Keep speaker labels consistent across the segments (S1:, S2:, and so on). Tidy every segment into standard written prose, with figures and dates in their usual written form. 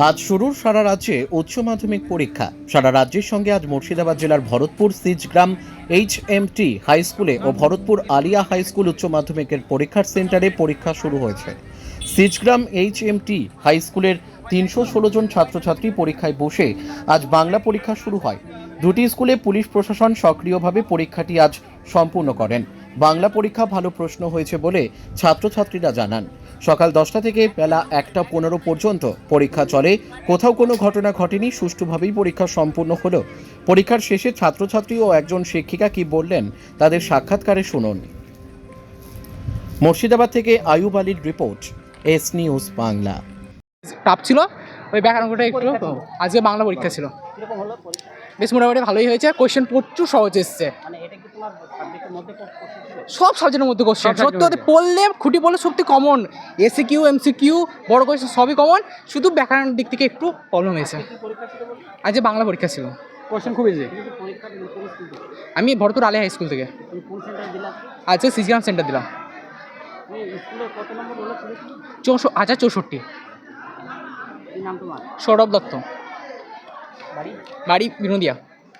S1: আজ শুরু সারা রাজ্যে উচ্চ মাধ্যমিক পরীক্ষা। সারা রাজ্যের সঙ্গে আজ মুর্শিদাবাদ জেলার ভরতপুর সিজগ্রাম HMT হাই স্কুলে ও ভরতপুর আলিয়া হাই স্কুল উচ্চ মাধ্যমিকের পরীক্ষার সেন্টারে পরীক্ষা শুরু হয়েছে। সিজগ্রাম HMT হাই স্কুলের 316 জন ছাত্রছাত্রী পরীক্ষায় বসে আজ বাংলা পরীক্ষা শুরু হয়। দুটি স্কুলে পুলিশ প্রশাসন সক্রিয়ভাবে পরীক্ষাটি আজ সম্পূর্ণ করেন। বাংলা পরীক্ষা ভালো প্রশ্ন হয়েছে বলে ছাত্রছাত্রীরা জানান। সকাল 10টা থেকে বেলা 1টা 15 পর্যন্ত পরীক্ষা চলে। কোথাও কোনো ঘটনা ঘটেনি, সুষ্ঠুভাবেই পরীক্ষা সম্পূর্ণ হলো। পরীক্ষার শেষে ছাত্রছাত্রী ও একজন শিক্ষিকা কি বললেন তাদের সাক্ষাৎকারে শুনুন। মুর্শিদাবাদ থেকে আয়ুব আলীর report, S news Bangla.
S2: Tough ছিল ওই ব্যাকরণটা একটু। আজকে বাংলা পরীক্ষা ছিল, বেশ মোটামুটি ভালোই হয়েছে। কোয়েশ্চেন প্রচুর সহজ এসছে, সব সাবজেক্টের মধ্যে কোয়েশ্চেন সত্যি পড়লে খুঁটি পড়লে সত্যি কমন। SQ MCQ বড় কোয়েশ্চেন সবই কমন, শুধু ব্যাকরণের দিক থেকে একটু প্রবলেম হয়েছে। আজকে বাংলা পরীক্ষা ছিল, কোয়েশ্চেন খুব ইজি। আমি ভরতপুর আলিয়া হাই স্কুল থেকে আজকে সিজগ্রাম সেন্টার দিলাম। 64। সৌরভ দত্ত, বাড়ি বিনোদিয়া।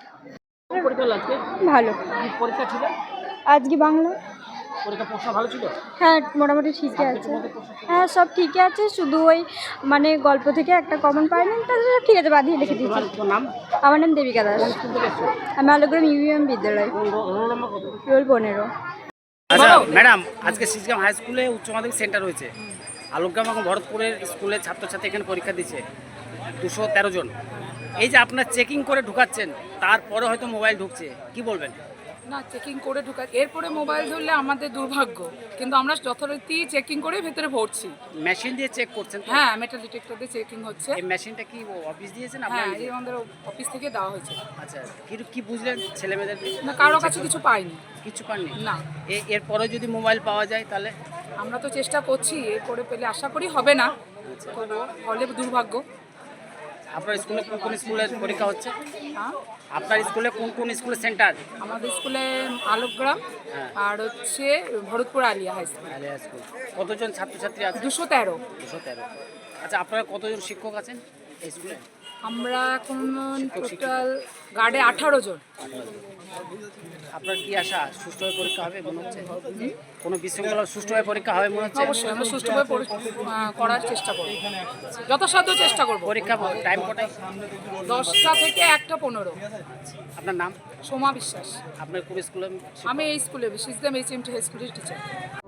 S3: ভালো।
S4: পরীক্ষা ছিল
S3: আজকে বাংলা
S4: পরীক্ষা প্রশ্ন ভালো ছিল।
S3: হ্যাঁ মোটামুটি ঠিকই আছে। হ্যাঁ সব ঠিকই আছে, শুধু ওই মানে গল্প থেকে একটা কমন পাইনি, তাহলে সব ঠিক আছে, বাদিয়ে লিখে দিয়েছি।
S4: তোর নাম?
S3: আমার নাম দেবিকা দাস। আমি আলোগ্রাম UVM বিদ্যালয়,
S4: রোল নাম্বার কত?
S3: রোল 15।
S4: আচ্ছা ম্যাডাম, আজকে সিজগ্রাম হাই স্কুলে উচ্চ মাধ্যমিক সেন্টার হয়েছে। আলোকগ্রাম এবং ভরতপুরের স্কুলের ছাত্রছাত্রী এখানে পরীক্ষা দিচ্ছে 213 জন। এই যে আপনার চেকিং করে ঢুকাচ্ছেন, তারপরে হয়তো মোবাইল ঢুকছে, কি বলবেন?
S5: না, চেকিং করে ঢুকা, এরপরে মোবাইল ধরলে আমাদের দুর্ভাগ্য, কিন্তু আমরা যথারীতি চেকিং করে ভেতরে ভরছি।
S4: মেশিন দিয়ে চেক করছেন তো?
S5: হ্যাঁ, মেটাল ডিটেক্টর দিয়ে চেকিং হচ্ছে।
S4: এই মেশিনটা কি অফিস দিয়েছেন
S5: হ্যাঁ,
S4: আপনার?
S5: এই আমাদের অফিস থেকে দেওয়া হয়েছে।
S4: আচ্ছা, কি বুঝলেন ছেলেমেয়েদের?
S5: না, কারো কাছে কিছু পাইনি।
S4: কিছু পাননি?
S5: না।
S4: এরপরে যদি মোবাইল পাওয়া যায় তাহলে?
S5: আমরা তো চেষ্টা করছি, এরপরে পেলে আশা করি হবে না, তবু হলে দুর্ভাগ্য।
S4: আপনার স্কুলে কোন স্কুলের পরীক্ষা হচ্ছে?
S5: হ্যাঁ,
S4: আপনার স্কুলে কোন স্কুলের সেন্টার?
S5: আমাদের স্কুলে আলোকগ্রাম
S4: হ্যাঁ।
S5: আর হচ্ছে Bharatpur Alia high school.
S4: Alia school. কতজন ছাত্রছাত্রী আছে?
S5: 213।
S4: 213। আচ্ছা, আপনারা কতজন শিক্ষক আছেন এই স্কুলে?
S5: আমরা এখন টোটাল গার্ডে 18 জন।
S4: আপনার কি আশা সুষ্ঠুভাবে পরীক্ষা হবে মনে হচ্ছে? কোনো বিশৃঙ্খলা সুষ্ঠুভাবে পরীক্ষা হবে মনে হচ্ছে?
S5: অবশ্যই আমরা সুষ্ঠুভাবে করার চেষ্টা করব, যথাসাধ্য চেষ্টা করব।
S4: পরীক্ষা টাইম কটায়?
S5: 10টা থেকে 1টা 15।
S4: আপনার নাম?
S5: সোমা বিশ্বাস।
S4: আপনার কোন স্কুলে?
S5: আমি এই স্কুলে সিজগ্রাম HMT হাই স্কুলের টিচার।